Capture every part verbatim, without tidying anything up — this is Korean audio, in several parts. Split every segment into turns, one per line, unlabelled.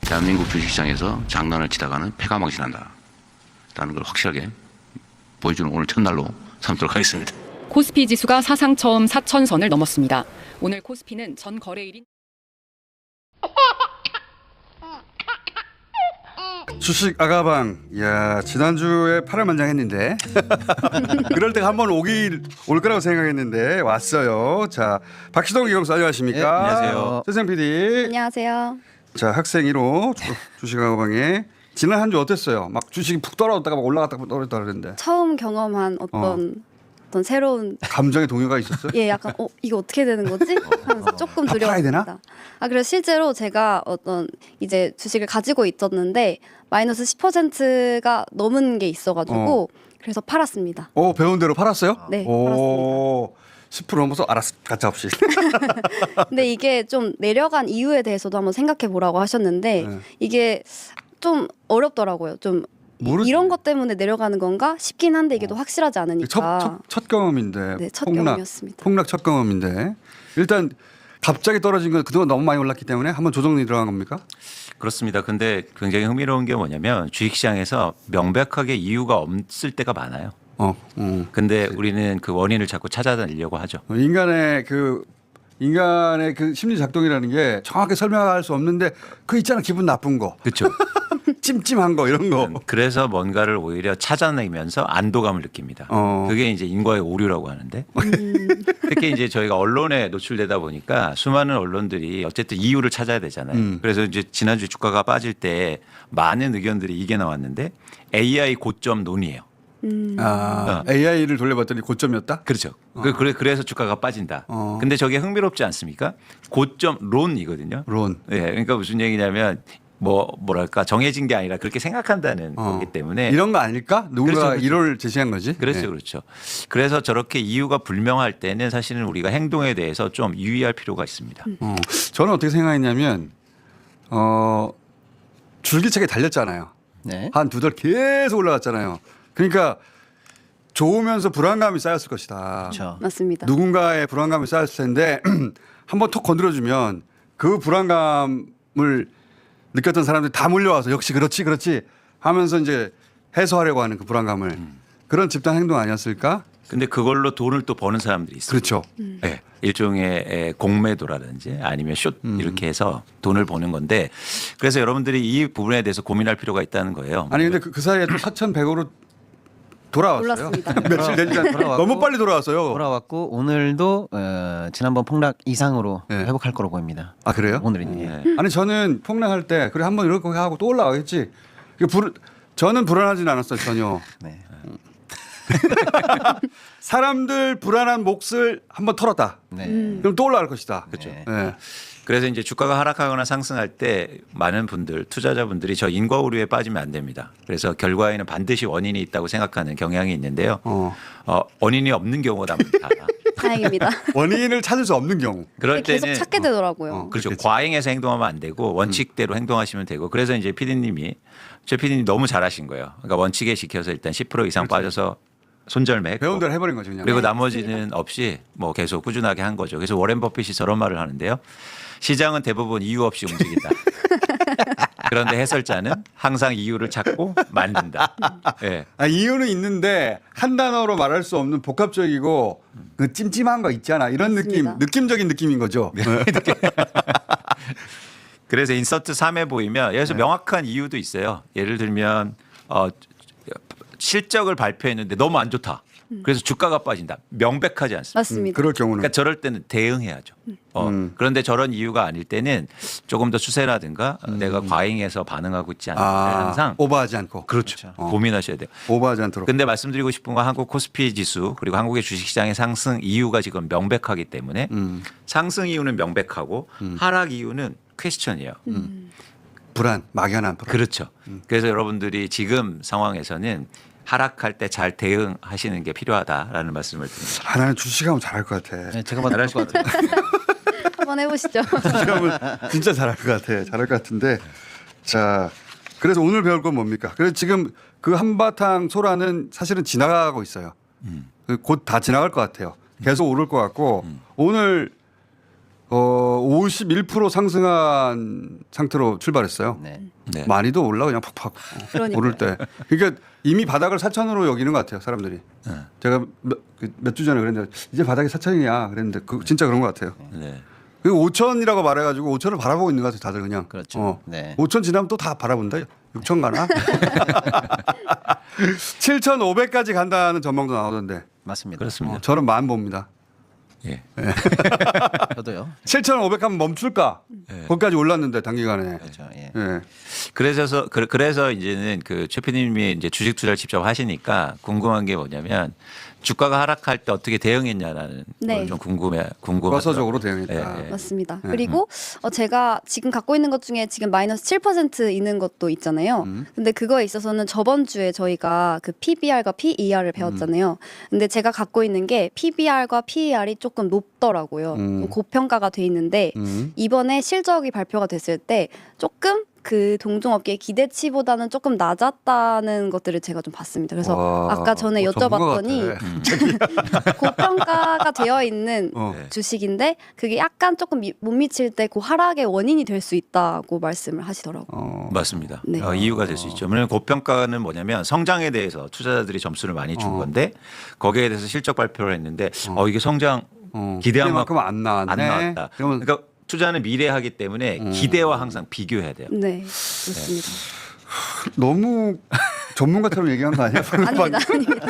대한민국 주식시장에서 장난을 치다가는 패가 망신한다 라는 걸 확실하게 보여주는 오늘 첫날로 삼도록 하겠습니다.
코스피 지수가 사상 처음 사천 선을 넘었습니다. 오늘 코스피는 전 거래일인
주식 아가방, 야 지난주에 팔월만장했는데 그럴 때가 한번 오길 올 거라고 생각했는데 왔어요. 자, 박시동 기검사 안녕하십니까?
네, 안녕하세요.
최생 피디.
안녕하세요.
자, 학생 일 호 주식 아가방에 지난 한 주 어땠어요? 막 주식이 푹 떨어졌다가 막 올라갔다가 떨어졌다 그랬는데
처음 경험한 어떤 어떤 새로운
감정의 동요가 있었어요?
예 약간 어 이거 어떻게 되는 거지? 하면서 조금
다 팔아야 되나?
두려웠습니다. 아 그래서 실제로 제가 어떤 이제 주식을 가지고 있었는데 마이너스 십 퍼센트가 넘은 게 있어가지고 그래서 팔았습니다.
오, 배운 대로 팔았어요?
네,
오, 십 퍼센트 넘어서 알았어, 가짜 없이.
근데 이게 좀 내려간 이유에 대해서도 한번 생각해 보라고 하셨는데
네.
이게 좀 어렵더라고요. 좀 이-
모르지.
이런 것 때문에 내려가는 건가 싶긴 한데 이게 또 확실하지 않으니까.
첫, 첫, 첫 경험인데.
네, 첫
폭락,
경험이었습니다.
폭락 첫 경험인데. 일단 갑자기 떨어진 건 그동안 너무 많이 올랐기 때문에 한번 조정이 들어간 겁니까?
그렇습니다. 근데 굉장히 흥미로운 게 뭐냐면 주식시장에서 명백하게 이유가 없을 때가 많아요.
어, 음.
근데 우리는 그 원인을 자꾸 찾아다니려고 하죠.
인간의 그 인간의 그 심리 작동이라는 게 정확하게 설명할 수 없는데 그 있잖아, 기분 나쁜 거,
그렇죠.
찜찜한 거 이런 거.
그래서 뭔가를 오히려 찾아내면서 안도감을 느낍니다.
어.
그게 이제 인과의 오류라고 하는데 특히 이제 저희가 언론에 노출되다 보니까 수많은 언론들이 어쨌든 이유를 찾아야 되잖아요.
음.
그래서 이제 지난주 주가가 빠질 때 많은 의견들이 이게 나왔는데 에이아이 고점 논의예요.
아, 에이아이를 돌려봤더니 고점이었다.
그렇죠. 그- 그래 그래서 주가가 빠진다.
어.
근데 저게 흥미롭지 않습니까? 고점 론이거든요.
론.
예, 그러니까 무슨 얘기냐면 뭐 뭐랄까 정해진 게 아니라 그렇게 생각한다는
어.
거기 때문에
이런 거 아닐까? 누군가
그렇죠, 그렇죠.
이론을 제시한 거지.
그렇죠,
네.
그렇죠. 그래서 저렇게 이유가 불명할 때는 사실은 우리가 행동에 대해서 좀 유의할 필요가 있습니다.
어, 저는 어떻게 생각했냐면 어, 줄기차게 달렸잖아요.
네.
한 두 달 계속 올라갔잖아요. 그러니까 좋으면서 불안감이 쌓였을 것이다.
그렇죠.
맞습니다.
누군가의 불안감이 쌓였을 텐데 한번 톡 건드려주면 그 불안감을 느꼈던 사람들이 다 몰려와서 역시 그렇지 그렇지 하면서 이제 해소하려고 하는 그 불안감을 그런 집단 행동 아니었을까?
근데 그걸로 돈을 또 버는 사람들이 있어요.
그렇죠.
네, 일종의 에, 공매도라든지 아니면 숏 이렇게 해서 돈을 버는 건데 그래서 여러분들이 이 부분에 대해서 고민할 필요가 있다는 거예요.
아니 근데 그, 그 사이에 또 사천백으로 돌아왔어요.
올랐습니다.
며칠 되지 않
돌아왔고.
너무 빨리 돌아왔어요.
돌아왔고 오늘도 어, 지난번 폭락 이상으로
네.
회복할 거로 보입니다.
아 그래요?
오늘은 예.
네.
아니 저는 폭락할 때 그래 한번 이렇게 하고 또 올라가겠지. 이게 불, 저는 불안하진 않았어요 전혀.
네.
사람들 불안한 몫을 한번 털었다.
네.
그럼 또 올라갈 것이다.
그렇죠.
네.
네.
그래서 이제 주가가 하락하거나 상승할 때 많은 분들 투자자분들이 저 인과 오류에 빠지면 안 됩니다. 그래서 결과에는 반드시 원인이 있다고 생각하는 경향이 있는데요.
어.
어, 원인이 없는 경우가 많다.
다행입니다.
원인을 찾을 수 없는 경우.
그럴
계속
때는
찾게 되더라고요.
어.
그렇죠.
그렇겠지.
과잉해서 행동하면 안 되고 원칙대로 행동하시면 되고 그래서 이제 피디님이 제 피디님 너무 잘하신 거예요. 그러니까 원칙에 지켜서 일단 십 퍼센트 이상 빠져서 손절매
배운 대로 해버린 거죠 그냥.
그리고
네,
나머지는 없이 뭐 계속 꾸준하게 한 거죠. 그래서 워렌 버핏이 저런 말을 하는데요. 시장은 대부분 이유 없이 움직인다. 그런데 해설자는 항상 이유를 찾고 만든다. 예.
아, 이유는 있는데 한 단어로 말할 수 없는 복합적이고 그 찜찜한 거 있잖아. 이런
맞습니다.
느낌, 느낌적인 느낌인 거죠. 네.
그래서 인서트 삼에 보이면 여기서 명확한 이유도 있어요. 예를 들면 어, 실적을 발표했는데 너무 안 좋다. 그래서 주가가 빠진다. 명백하지 않습니다.
맞습니다.
그럴 경우는
그러니까 저럴 때는 대응해야죠. 어,
음.
그런데 저런 이유가 아닐 때는 조금 더 추세라든가 내가 과잉해서 반응하고 있지 않을까
아,
항상
오버하지 않고.
그렇죠.
어.
고민하셔야 돼요.
오버하지 않도록.
근데 말씀드리고 싶은 건 한국 코스피 지수 그리고 한국의 주식시장의 상승 이유가 지금 명백하기 때문에
음.
상승 이유는 명백하고 하락 이유는 퀘스천이에요.
불안, 막연한 불안.
그렇죠. 그래서 여러분들이 지금 상황에서는 하락할 때 잘 대응하시는 게 필요하다라는 말씀을 드립니다.
아, 나는 주식하면 잘할 것 같아.
네, 제가 봐도 잘할 것 같아요.
한번 해보시죠.
주식하면 진짜 잘할 것 같아. 잘할 것 같은데. 자, 그래서 오늘 배울 건 뭡니까? 그래서 지금 그 한바탕 소라는 사실은 지나가고 있어요. 곧 다 지나갈 것 같아요. 계속 오를 것 같고 오늘 어, 오십일 퍼센트 상승한 상태로 출발했어요.
네.
네.
많이도 올라 그냥 팍팍
그러니까요.
오를 때. 그러니까 이미 바닥을 사천으로 여기는 것 같아요, 사람들이.
네.
제가 몇 주 전에 그랬는데 이제 바닥이 사천이냐 그랬는데 그 진짜 그런 것 같아요.
네.
그리고 오천이라고 말해가지고 오천을 바라보고 있는 것 같아요, 다들 그냥.
그렇죠.
어.
네.
오천 지나면 또 다 바라본다. 육천 가나? 칠천오백까지 간다는 전망도 나오던데.
맞습니다.
그렇습니다.
어, 저는 만 봅니다.
예.
저도요.
칠천오백 하면 멈출까?
네.
거기까지 올랐는데 단기간에.
그렇죠. 예.
예.
그래서 그- 그래서 이제는 그 최피님이 이제 주식 투자를 직접 하시니까 궁금한 게 뭐냐면 주가가 하락할 때 어떻게 대응했냐라는
네.
걸 좀 궁금해 궁금해.
과서적으로 대응했다.
예, 예.
맞습니다.
네.
그리고 어, 제가 지금 갖고 있는 것 중에 지금 마이너스 칠 퍼센트 있는 것도 있잖아요.
음.
근데 그거에 있어서는 저번 주에 저희가 그 피비알과 피이알을 배웠잖아요. 근데 제가 갖고 있는 게 피비알과 피이알이 조금 높더라고요.
음.
좀 고평가가 돼 있는데
음.
이번에 실적이 발표가 됐을 때 조금 그 동종업계의 기대치보다는 조금 낮았다는 것들을 제가 좀 봤습니다. 그래서
와,
아까 전에
뭐 전문가
여쭤봤더니
같아.
고평가가 되어 있는
어.
네.
주식인데 그게 약간 조금 미- 못 미칠 때 그 하락의 원인이 될 수 있다고 말씀을 하시더라고요.
어.
맞습니다.
네.
어, 이유가 될 수 있죠. 왜냐하면 고평가는 뭐냐면 성장에 대해서 투자자들이 점수를 많이 준
어.
건데 거기에 대해서 실적 발표를 했는데 어, 이게 성장
어.
기대한
만큼 안 나왔네.
안 나왔다.
그러면
그러니까 투자는 미래하기 때문에
음.
기대와 항상 비교해야 돼요.
네, 좋습니다.
너무 전문가처럼 얘기한 거 아니야?
아닙니다, 아닙니다.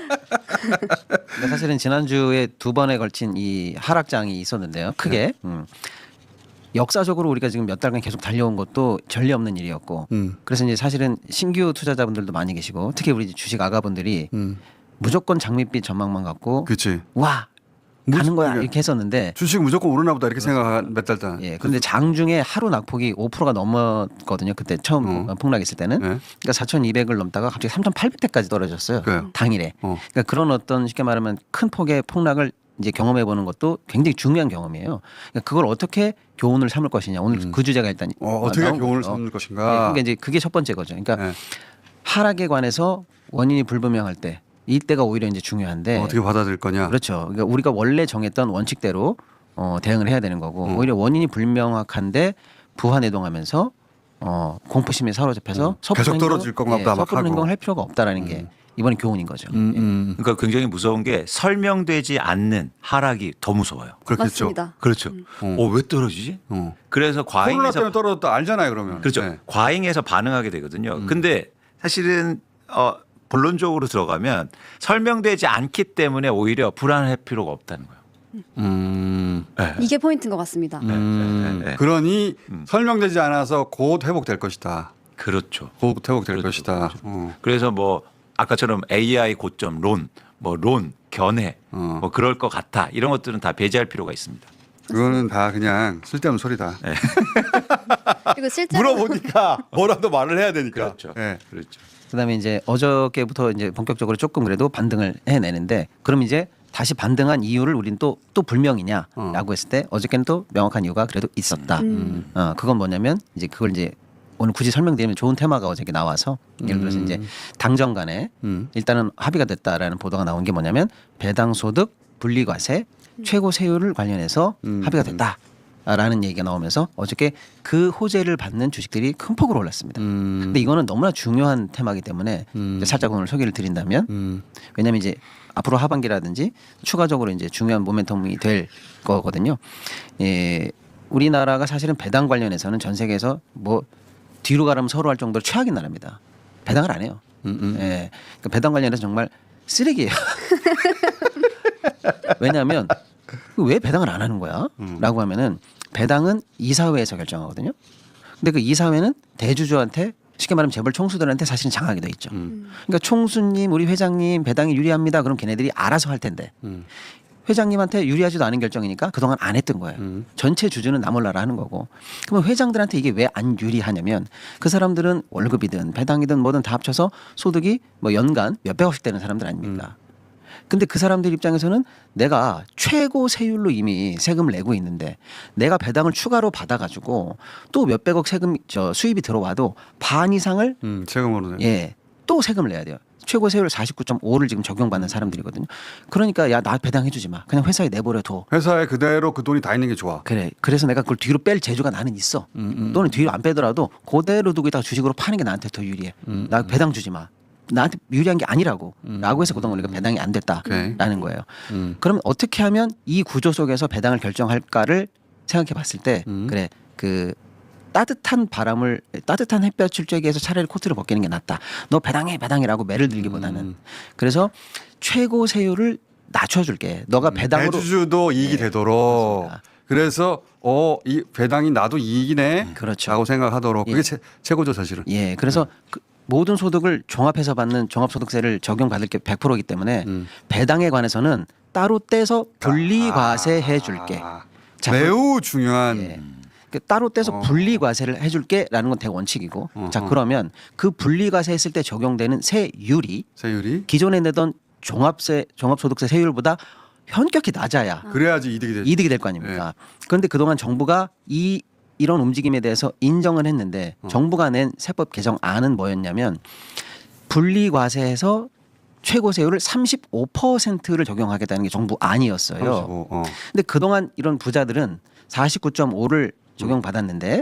근데 사실은 지난주에 두 번에 걸친 이 하락장이 있었는데요. 크게. 음. 역사적으로 우리가 지금 몇 달간 계속 달려온 것도 전례 없는 일이었고.
음.
그래서 이제 사실은 신규 투자자분들도 많이 계시고 특히 우리 주식 아가분들이
음.
무조건 장밋빛 전망만 갖고
그렇지.
와 가는 거야
그러니까
이렇게 했었는데
주식 무조건 오르나 보다 이렇게 생각한 몇 달 동안.
예 근데 장중에 하루 낙폭이 오 퍼센트가 넘었거든요. 그때 처음
어.
폭락했을 때는
네.
그러니까 사천이백을 넘다가 갑자기 삼천팔백 대까지 떨어졌어요.
그래요.
당일에.
어.
그러니까 그런 어떤 쉽게 말하면 큰 폭의 폭락을 이제 경험해 보는 것도 굉장히 중요한 경험이에요. 그러니까 그걸 어떻게 교훈을 삼을 것이냐. 오늘 그 주제가 일단
어, 어떻게
나온
교훈을
거죠.
삼을
네,
것인가.
그러니까 이제 그게 첫 번째 거죠. 그러니까
네.
하락에 관해서 원인이 불분명할 때 이때가 오히려 이제 중요한데
어떻게 받아들일 거냐.
그렇죠. 그러니까 우리가 원래 정했던 원칙대로 어, 대응을 해야 되는 거고
음.
오히려 원인이 불명확한데 부하내동하면서 어, 공포심에 사로잡혀서
음.
섣부른
계속
행동-
떨어질 건가 보다
예,
막
섣부른
하고.
행동을 할 필요가 없다라는 게 이번에 교훈인 거죠.
음,
예.
음.
그러니까 굉장히 무서운 게 설명되지 않는 하락이 더 무서워요.
그렇겠죠.
맞습니다.
그렇죠.
음.
어, 왜 떨어지지?
어.
그래서
코로나
과잉해서
때문에 떨어졌다 알잖아요, 그러면.
그렇죠.
네.
과잉해서 반응하게 되거든요. 근데 사실은 어, 본론적으로 들어가면 설명되지 않기 때문에 오히려 불안할 필요가 없다는 거예요.
음.
이게 포인트인 것 같습니다.
음.
네, 네.
그러니
음.
설명되지 않아서 곧 회복될 것이다.
그렇죠.
곧 회복될
그렇죠,
것이다.
그렇죠.
어.
그래서 뭐 아까처럼 에이아이 고점, 론, 뭐 론, 견해,
어.
뭐 그럴 것 같아 이런 것들은 다 배제할 필요가 있습니다.
그거는 다 그냥 쓸데없는 소리다.
그리고 실제로
물어보니까 뭐라도 말을 해야 되니까.
그렇죠.
네.
그렇죠.
그다음에 이제 어저께부터 이제 본격적으로 조금 그래도 반등을 해내는데 그럼 이제 다시 반등한 이유를 우리는 또 또 불명이냐라고
어.
했을 때 어저께는 또 명확한 이유가 그래도 있었다.
음.
어 그건 뭐냐면 이제 그걸 이제 오늘 굳이 설명드리면 좋은 테마가 어저께 나와서 예를 들어서 이제 당정 간에
음.
일단은 합의가 됐다라는 보도가 나온 게 뭐냐면 배당 소득 분리과세 최고 세율을 관련해서
음.
합의가 됐다라는 얘기가 나오면서 어저께 그 호재를 받는 주식들이 큰 폭으로 올랐습니다.
음.
근데 이거는 너무나 중요한 테마이기 때문에
음.
이제 살짝 오늘 소개를 드린다면
음.
왜냐하면 이제 앞으로 하반기라든지 추가적으로 이제 중요한 모멘텀이 될 거거든요. 예, 우리나라가 사실은 배당 관련해서는 전 세계에서 뭐 뒤로 가라면 서로 할 정도로 최악인 나라입니다. 배당을 안 해요.
음, 음.
예, 그러니까 배당 관련해서 정말 쓰레기예요. 왜냐하면 왜 배당을 안 하는 거야?
음.
라고 하면은 배당은 이사회에서 결정하거든요. 근데 그 이사회는 대주주한테 쉽게 말하면 재벌 총수들한테 사실은 장악이 돼 있죠.
음.
그러니까 총수님, 우리 회장님 배당이 유리합니다. 그럼 걔네들이 알아서 할 텐데
음.
회장님한테 유리하지도 않은 결정이니까 그동안 안 했던 거예요.
음.
전체 주주는 나 몰라라 하는 거고. 그러면 회장들한테 이게 왜 안 유리하냐면 그 사람들은 월급이든 배당이든 뭐든 다 합쳐서 소득이 뭐 연간 몇백억씩 되는 사람들 아닙니까? 근데 그 사람들 입장에서는 내가 최고 세율로 이미 세금을 내고 있는데 내가 배당을 추가로 받아가지고 또 몇백억 세금 저 수입이 들어와도 반 이상을
음. 세금으로 내.
예, 또 세금을 내야 돼요. 최고 세율 사십구 점 오를 지금 적용받는 사람들이거든요. 그러니까 야 나 배당해주지 마. 그냥 회사에 내버려 둬.
회사에 그대로 그 돈이 다 있는 게 좋아.
그래. 그래서 내가 그걸 뒤로 뺄 재주가 나는 있어. 또는 뒤로 안 빼더라도 그대로 두고 있다가 주식으로 파는 게 나한테 더 유리해. 나 배당 주지 마. 나한테 유리한 게 아니라고. 라고 해서 그동안 우리가 배당이 안 됐다라는
오케이.
거예요.
음.
그럼 어떻게 하면 이 구조 속에서 배당을 결정할까를 생각해 봤을 때
음.
그래 그 따뜻한 바람을 따뜻한 햇볕을 쬐기 위해서 차라리 코트를 벗기는 게 낫다. 너 배당해 배당이라고 매를 들기보다는
음.
그래서 최고 세율을 낮춰줄게. 너가 배당으로
대주주도 이익이
네,
되도록.
맞습니다.
그래서 어, 이 배당이 나도 이익이네.
그렇죠.
라고 생각하도록. 그게
예.
최, 최고죠, 사실은.
예, 그래서 그 모든 소득을 종합해서 받는 종합소득세를 적용받을 게 백 퍼센트이기 때문에
음.
배당에 관해서는 따로 떼서 분리과세해 줄게.
아,
자,
매우 중요한.
예. 그 따로 떼서
어.
분리과세를 해줄게라는 건 대원칙이고,
어허.
자 그러면 그 분리과세 했을 때 적용되는 세율이
세율이.
기존에 내던 종합세 종합소득세 세율보다 현격히 낮아야
그래야지 이득이 되죠.
이득이 될 거 아닙니까? 그런데 그동안 정부가 이 이런 움직임에 대해서 인정을 했는데
어.
정부가 낸 세법 개정안은 뭐였냐면 분리과세에서 최고 세율을 삼십오 퍼센트를 적용하겠다는 게 정부 안이었어요.
삼십오, 어.
근데 그동안 이런 부자들은 사십구 점 오를 적용받았는데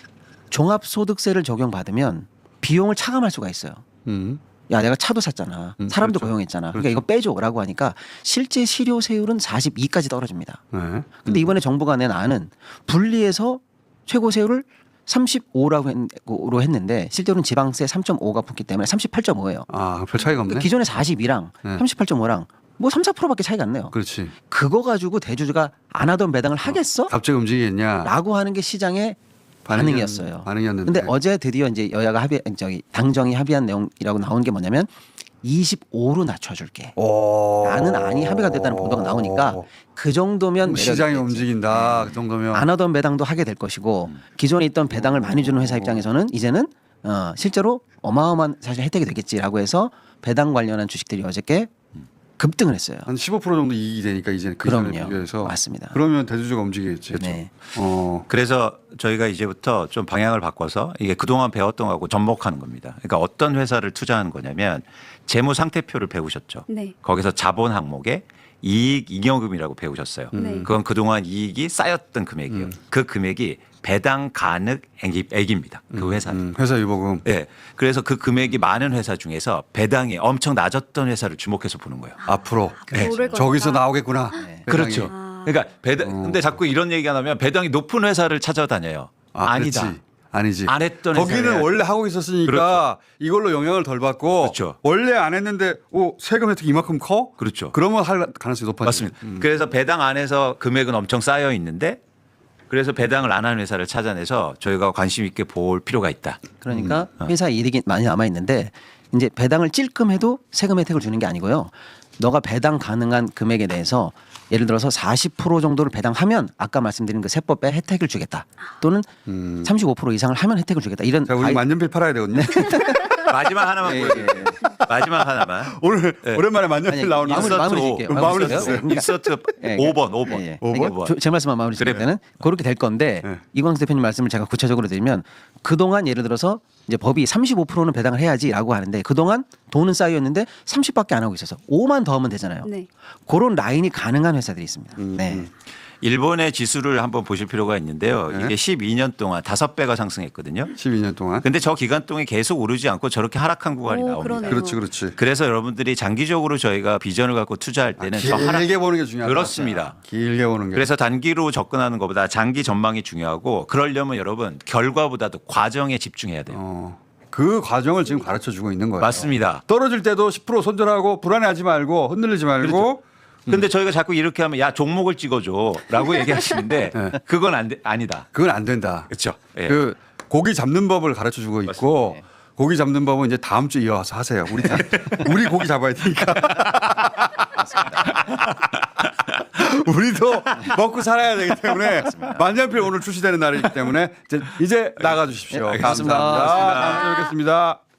종합소득세를 적용받으면 비용을 차감할 수가 있어요.
음.
야 내가 차도 샀잖아.
음,
사람도
그렇죠.
고용했잖아.
그렇죠.
그러니까 이거 빼줘라고 하니까 실제 실효세율은 사십이까지 떨어집니다.
네.
근데 이번에 정부가 낸 안은 분리해서 최고 세율을 삼십오라고 했, 로 했는데 실제로는 지방세 삼 점 오가 붙기 때문에 삼십팔 점 오예요.
아, 별 차이가 없네.
그러니까 기존의 사십이랑
네.
삼십팔 점 오랑 뭐 삼, 사 퍼센트밖에 차이가 안 나요.
그렇지.
그거 가지고 대주주가 안 하던 배당을 하겠어?
갑자기 움직이겠냐.
라고 하는 게 시장의
반응이었-
반응이었어요.
반응이었는데.
근데 어제 드디어 이제 여야가 합의 저기 당정이 합의한 내용이라고 나온 게 뭐냐면 이십오로 낮춰줄게.
오.
라는 안이 합의가 됐다는 보도가 나오니까 그 정도면 매력이
시장이
있겠지.
움직인다. 그 정도면.
안 하던 배당도 하게 될 것이고 기존에 있던 배당을 많이 주는 회사 입장에서는 이제는 어, 실제로 어마어마한 사실 혜택이 되겠지라고 해서 배당 관련한 주식들이 어저께 급등을 했어요.
한 십오 퍼센트 정도 이익이 되니까 이제 그 전에
그럼요.
비교해서.
맞습니다.
그러면 대주주가 움직이겠지.
네.
어.
그래서 저희가 이제부터 좀 방향을 바꿔서 이게 그동안 배웠던 거하고 접목하는 겁니다. 그러니까 어떤 회사를 투자하는 거냐면 재무 상태표를 배우셨죠.
네.
거기서 자본 항목에 이익 잉여금이라고 배우셨어요.
네.
그건 그동안 이익이 쌓였던 금액이에요. 그 금액이 배당 가능 액이- 액입니다. 그 회사는.
음, 회사 유보금.
예. 그래서 그 금액이 많은 회사 중에서 배당이 엄청 낮았던 회사를 주목해서 보는 거예요.
앞으로
모를 거니까.
저기서 나오겠구나. 배당이.
그렇죠.
아.
그러니까 배당 근데 자꾸 이런 얘기가 나면 배당이 높은 회사를 찾아다녀요.
아,
아니다.
그렇지. 아니지.
안 했던 회사를
거기는
해야지.
원래 하고 있었으니까
그렇죠.
이걸로 영향을 덜 받고
그렇죠.
원래 안 했는데 오, 세금 혜택이 이만큼 커?
그렇죠.
그러면 할 가능성이 높아지.
맞습니다. 그래서 배당 안에서 금액은 엄청 쌓여 있는데 그래서 배당을 안 하는 회사를 찾아내서 저희가 관심 있게 볼 필요가 있다.
그러니까 회사 이익이 많이 남아 있는데 이제 배당을 찔끔해도 세금 혜택을 주는 게 아니고요. 너가 배당 가능한 금액에 대해서 예를 들어서 사십 퍼센트 정도를 배당하면 아까 말씀드린 그 세법에 혜택을 주겠다. 또는 삼십오 퍼센트 이상을 하면 혜택을 주겠다. 이런
자, 우리
가이-
만년필 팔아야 되거든요.
마지막 하나만
예,
보여드릴게요.
예, 예.
마지막 하나만.
오늘
네.
오랜만에 만년필
아니,
나오는
마무리,
거.
마무리
인서트
짓게요.
오. 마무리
짓게요.
짓어요.
그러니까
인서트
예,
오 번, 오 번.
예, 예.
오 번?
그러니까 저- 제 말씀만 마무리 짓을
그래.
때는 그렇게 될 건데
네.
이광수 대표님 말씀을 제가 구체적으로 드리면 그동안 예를 들어서 이제 법이 삼십오 퍼센트는 배당을 해야지라고 하는데 그동안 돈은 쌓였는데 삼십밖에 안 하고 있어서 오만 더 하면 되잖아요.
네.
그런 라인이 가능한 회사들이 있습니다.
음,
네.
일본의 지수를 한번 보실 필요가 있는데요.
네.
이게 십이 년 동안 다섯 배가 상승했거든요.
십이 년 동안.
근데 저 기간 동안 계속 오르지 않고 저렇게 하락한 구간이
오,
나옵니다.
그러네요.
그렇지, 그렇지.
그래서 여러분들이 장기적으로 저희가 비전을 갖고 투자할 때는 저 하락
길게 보는 게 중요하다.
그렇습니다.
길게 보는 게.
그래서 단기로 접근하는 것보다 장기 전망이 중요하고 그러려면 여러분 결과보다도 과정에 집중해야 돼요.
어, 그 과정을 지금 가르쳐 주고 있는 거예요.
맞습니다.
떨어질 때도 십 퍼센트 손절하고 불안해하지 말고 흔들리지 말고
그렇죠. 근데 저희가 자꾸 이렇게 하면 야 종목을 찍어줘라고 얘기하시는데
네.
그건 안 돼, 아니다.
그건 안 된다.
그렇죠. 예.
그 고기 잡는 법을 가르쳐 주고 있고 고기 잡는 법은 이제 다음 주 이어서 하세요. 우리 다- 우리 고기 잡아야 되니까. 우리도 먹고 살아야 되기 때문에 만년필 오늘 출시되는 날이기 때문에 이제, 이제 나가 주십시오.
네, 알겠습니다.
감사합니다. 다음 주에 뵙겠습니다.